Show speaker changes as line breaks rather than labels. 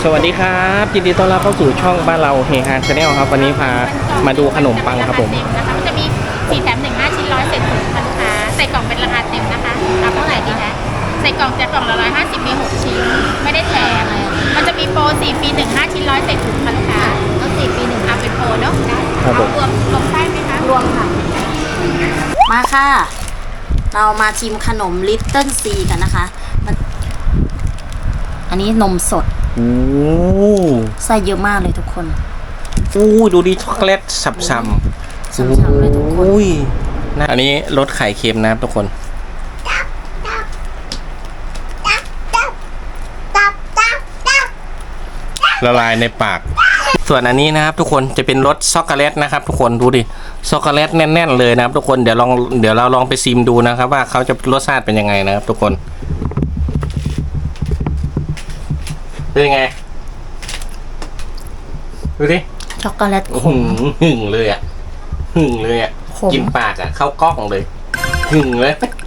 สวัสดีครับยินดีต้อนรับเข้าสู่ช่องบ้านเราเฮฮาชาแนลครับวันนี้พามาดูขนมปังครับผม
นะคะมันจะมี4 แถม 1 5 ชิ้นร้อยเศษถุงค่ะลูกค้าใส่กล่องเป็นราคาเต็มนะคะเอาเท่าไหร่ดีคะใส่กล่องจะกล่องละ150มี6ชิ้นไม่ได้แถมมันจะมีโปร4 ฟรี 1 5 ชิ้นร้อยเศษถุงค่ะลูกค้าก็4 ฟรี 1เอาเป็นโปรเนาะเอารวมไส้ไหมคะรวมค่ะมาค่ะเรามาชิมขนมลิตเติ้ลซีกันนะคะอันนี้นมสด
โอ้
ไส้เยอะมากเลยทุกคน
โหดูดิช็อกโกแลตสับๆ
ฉ่ำๆเลยทุกคน
โอ้ยนะอันนี้รสไข่เค็มนะครับทุกคนละลายในปาก ส่วนอันนี้นะครับทุกคนจะเป็นรสช็อกโกแลตนะครับทุกคนดูดิช็อกโกแลตแน่นๆเลยนะครับทุกคนเดี๋ยวเราลองไปซิมดูนะครับว่าเขาจะรสชาติเป็นยังไงนะครับทุกคนเป็นยังไงดูดิ
ช็อกโกแลตขม
หึ่งเลยอ่ะหึ่งเลยอ่ะ
ขม
กินปากอ่ะเข้ากล้องเลยหึ่งเลย